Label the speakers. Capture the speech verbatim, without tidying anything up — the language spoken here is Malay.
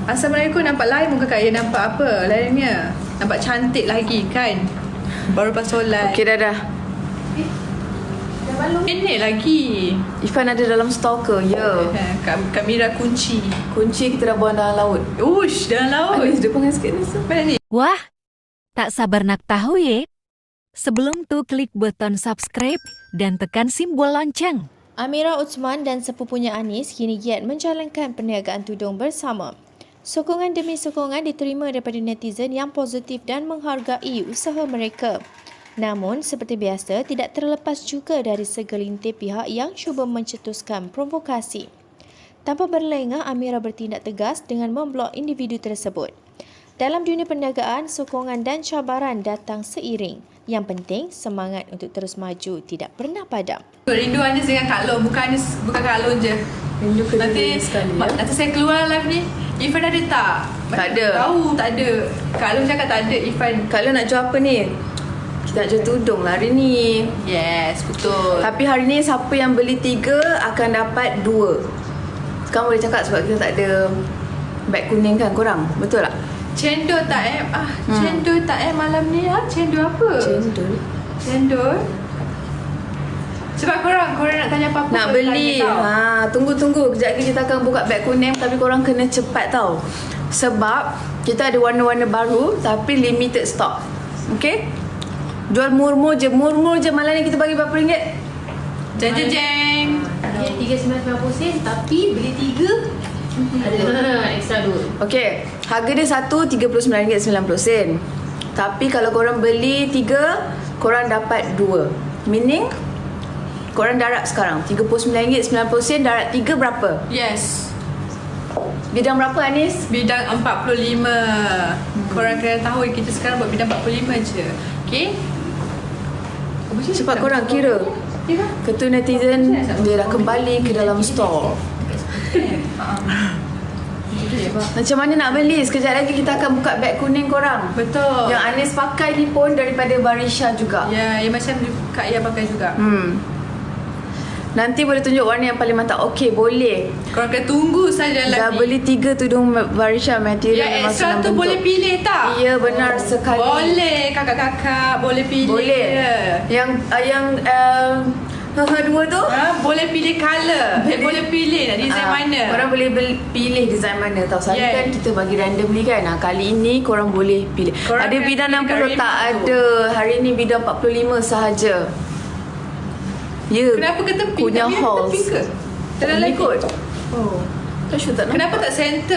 Speaker 1: Assalamualaikum. Nampak lain muka Kak. Ya, nampak apa lainnya? Nampak cantik lagi kan? Baru lepas solat.
Speaker 2: Okey, dah dah.
Speaker 1: Ini lagi.
Speaker 2: Ifan ada dalam store ke? Ya.
Speaker 1: Kam- Kamera kunci.
Speaker 2: Kunci kita dah buang dalam laut.
Speaker 1: Ush, dalam laut.
Speaker 2: Anis, dia panggil sikit ni.
Speaker 1: Mana ni?
Speaker 3: Wah, tak sabar nak tahu ye? Sebelum tu klik button subscribe dan tekan simbol lonceng.
Speaker 4: Amira Utsman dan sepupunya Anis kini giat menjalankan perniagaan tudung bersama. Sokongan demi sokongan diterima daripada netizen yang positif dan menghargai usaha mereka. Namun, seperti biasa, tidak terlepas juga dari segelintir pihak yang cuba mencetuskan provokasi. Tanpa berlengah, Amira bertindak tegas dengan memblok individu tersebut. Dalam dunia perniagaan, sokongan dan cabaran datang seiring. Yang penting, semangat untuk terus maju tidak pernah padam.
Speaker 1: Rindu Anis dengan Kak Long. Bukan Anis, bukan Kak Long je.
Speaker 2: Rindu ke
Speaker 1: Nanti,
Speaker 2: sekali
Speaker 1: ma-
Speaker 2: ya?
Speaker 1: nanti saya keluar live ni. Ifan ada tak?
Speaker 2: Tak ada.
Speaker 1: Tahu tak ada. Kak Long cakap tak ada Ifan.
Speaker 2: Kalau nak jual apa ni? Kita nak jual tudung lah hari ni.
Speaker 1: Yes, betul.
Speaker 2: Tapi hari ni siapa yang beli tiga akan dapat dua. Sekarang boleh cakap sebab kita tak ada beg kuning kan korang? Betul tak?
Speaker 1: Cendol tak eh? Ah,
Speaker 2: Hmm.
Speaker 1: cendol tak eh malam ni ah? Cendol apa?
Speaker 2: Cendol.
Speaker 1: Cendol. Sebab korang, korang nak tanya apa-apa
Speaker 2: Nak
Speaker 1: ke
Speaker 2: beli.
Speaker 1: tanya tau.
Speaker 2: Ha, tunggu-tunggu. Kejap lagi kita akan buka beg kuning tapi korang kena cepat tau. Sebab kita ada warna-warna baru tapi limited stock. Okay? Jual murmur je. Murmur je. Malam ni kita bagi berapa ringgit?
Speaker 1: Jeng jeng jeng.
Speaker 5: Dia tiga sembilan sembilan puluh sen tapi beli tiga ada extra dua.
Speaker 2: Okay. Harga dia satu tiga puluh sembilan ringgit sembilan puluh sen. Tapi kalau korang beli tiga, korang dapat dua. Meaning, korang darat sekarang tiga puluh sembilan ringgit sembilan puluh sen, darat tiga berapa?
Speaker 1: Yes.
Speaker 2: Bidang berapa Anis?
Speaker 1: Bidang empat puluh lima. Hmm. Korang kena tahu kita sekarang buat bidang empat puluh lima je. Okay?
Speaker 2: Cepat korang kira. Ketua netizen dia dah kembali ke dalam store. Macam mana nak beli? Sekejap lagi kita akan buka beg kuning korang.
Speaker 1: Betul.
Speaker 2: Yang Anis pakai ni pun daripada Barisha juga.
Speaker 1: Ya, yang macam Kak Ia pakai juga.
Speaker 2: Hmm. Nanti boleh tunjuk warna yang paling mantap. Okey, boleh.
Speaker 1: Korang kena tunggu saja
Speaker 2: Dah
Speaker 1: lagi.
Speaker 2: beli tiga tudung Barisha material
Speaker 1: Yang
Speaker 2: memang
Speaker 1: extra
Speaker 2: senang
Speaker 1: tu
Speaker 2: bentuk.
Speaker 1: boleh pilih tak?
Speaker 2: Ya, benar sekali.
Speaker 1: Boleh kakak-kakak, boleh pilih.
Speaker 2: Boleh. Yang uh, yang uh, dua tu?
Speaker 1: Ha, boleh pilih colour. Eh, boleh pilih nak design
Speaker 2: Ah,
Speaker 1: mana.
Speaker 2: Korang boleh beli, pilih design mana tau. Selalu
Speaker 1: Yeah.
Speaker 2: kan kita bagi randomly kan. Nah, kali ini korang boleh pilih.
Speaker 1: Korang
Speaker 2: ada
Speaker 1: kena
Speaker 2: bidang
Speaker 1: pilih
Speaker 2: enam puluh
Speaker 1: kat
Speaker 2: tak
Speaker 1: remote tu.
Speaker 2: ada. Hari ni bidang empat puluh lima sahaja. Ya.
Speaker 1: Kenapa ke tepi?
Speaker 2: Punya
Speaker 1: Tapi
Speaker 2: halls.
Speaker 1: tepi ke? Dalam
Speaker 2: Ni
Speaker 1: lagi.
Speaker 2: kot.
Speaker 1: Oh.
Speaker 2: Tak sure tak nampak.
Speaker 1: Kenapa tak center?